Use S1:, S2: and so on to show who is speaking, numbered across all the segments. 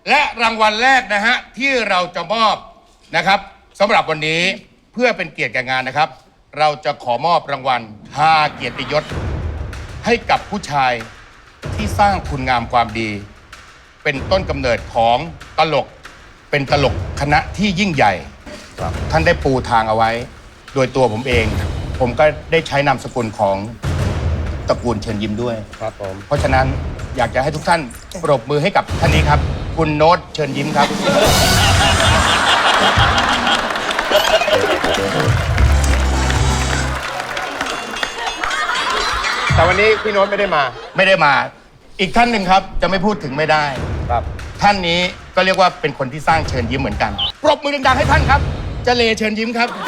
S1: และรางวัลแรกนะฮะที่เราจะมอบนะครับสำหรับวันนี้เพื่อเป็นเกียรติแก่งานนะครับ เราจะขอมอบรางวัล5เกียรติยศให้กับผู้ชายที่สร้างคุณงามความดี เป็นต้นกำเนิดของตลกเป็นตลกคณะที่ยิ่งใหญ่ท่านได้ปูทางเอาไว้ โดยตัวผมเอง ผมก็ได้ใช้นามสกุลของตระกูลเชิญยิ้มด้วยครับผมเพราะฉะนั้นอยากจะให้ทุกท่านปรบมือให้กับท่านนี้ครับ คุณโน้ตเชิญยิ้มครับ
S2: แต่วันนี้พี่โน้ตไม่ได้มา
S1: ไม่ได้มาอีกท่านหนึ่งครับจะไม่พูดถึงไม่ได้
S2: ครับ
S1: ท่านนี้ก็เรียกว่าเป็นคนที่สร้างเชิญยิ้มเหมือนกันปรบมือดังๆให้ท่านครับเจเลเชิญยิ้มครับ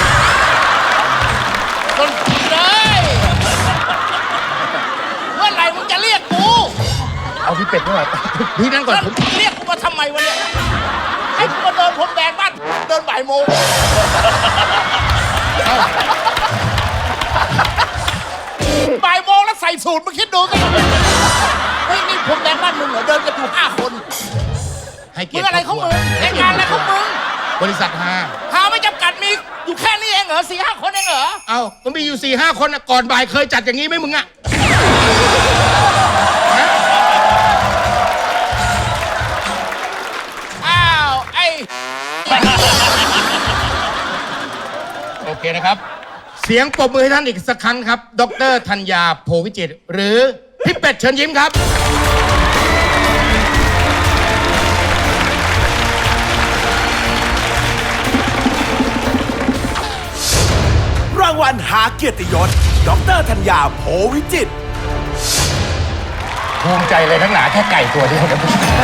S1: คนเลยเมื่อไหร่มึงจะเรียกกูเอาพี่เป็ดด้วยพี่นั่งก่อนผมเรียกกูมาทำไมวะเนี่ยให้กูมาเดินผมแดงบ้านเดินบ่ายโมงบ่ายโมงแล้วใส่สูตรมาคิดดูกันเฮ้ยนี่ผมแดงบ้านมึงเหรอเดินกันอยู่5 คนให้เกียรติอะไรของมึงรายการอะไรของมึงบริษัทหาไม่จำกัดมีอยู่แค่นี้เองเหรอ4-5 คนเองเหรอเอ้ามันมีอยู่4-5 คนก่อนบ่ายเคยจัดอย่างนี้ไหมมึงอะอ้าวไอ้โอเคนะครับเสียงปรบมือให้ท่านอีกสักครั้งครับดร.ธัญญาโพวิจิตรหรือพี่เป็ดเชิญยิ้มครับ
S3: รางวัลหาเกียรติยศดร.ธัญญาโพวิจิตร
S1: ภูมิใจเลยทั้งหนาแค่ไก่ตัวเดียวนะ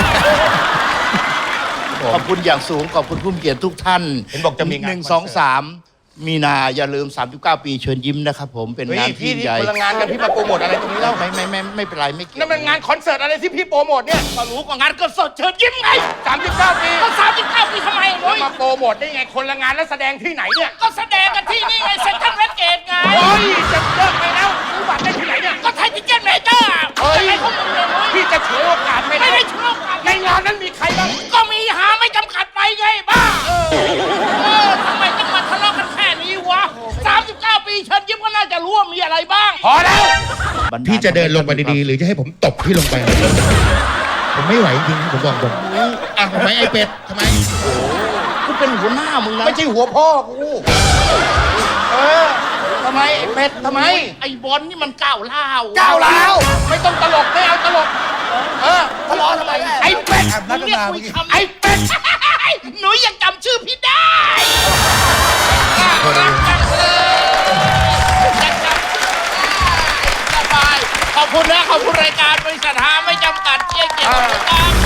S4: ขอบคุณอย่างสูงขอบคุณผู้มีเกียรติทุกท่าน
S1: เห็นบอกจะมีงาน
S4: 1 2 3 มีนาอย่าลืม39 ปีเชิญยิ้มนะครับผมเป็นงานที่ใหญ่
S1: พลังงานกันพี่มาโปรโมทอะไรตรงนี้แล้ว
S4: ไม่เป็นไรไม่เกี่ยว
S1: นั่นมันงานคอนเสิร์ตอะไรที่พี่โปรโมทเนี่ย
S5: ก็รู้ก็งานคอนเสิร์ตเชิญยิ้มไง
S1: 39 ปี
S5: ก็39 ปีทำไมเฮ้ย
S1: มาโปรโมทได้ไงคนละงานแล้วแสดงที่ไหนเนี่ย
S5: ก็แสดงกันที่นี่ไงเซ็นทรัลเวสเกตไง
S1: โอ้ยจะเลิกไปแล้วซื้อบัตรได้ที่ไหนเนี่ย
S5: ก็ไทยทิเก็ตเมเจอร์
S1: เฮ้ย
S5: ไอ้พวกมึงเลย
S1: พี่จะฉวยโอกาสไม่
S5: ได้ฉวยโอกาส
S1: ในงานนั้นมีใครบ้าง
S5: ก็มีหาไม่จำกัดไปไงบ้าทำไมต้องมาทะเลาะกันแค่นี้วะ39 ปีเชิญยิ้มก็น่าจะรู้ว่ามีอะไรบ้าง
S1: พอแล้วพี่จะเดินลงไปดีๆหรือจะให้ผมตบพี่ลงไปผมไม่ไหวจริงผมบอกตรงทำไมไอ้เป็ดทำไม
S4: กูเป็นหัวหน้ามึงนะ
S1: ไม่ใช่หัวพ่อกูทำไมไอ้เป็ดทำไม
S5: ไอ้บอลนี่มันก้าวร้าว
S1: ไม่ต้องตลกไม่เอาตลก
S5: ทะเลาะทำไม
S1: ไอ้เป็ด
S5: มึงเรียกคุยคำ
S1: ไอ้เป็ด
S5: หนูยังจำชื่อพี่ได้รักจังเลยสบายขอบคุณนะขอบคุณรายการบริษัทหาไม่จำกัดเกียรติ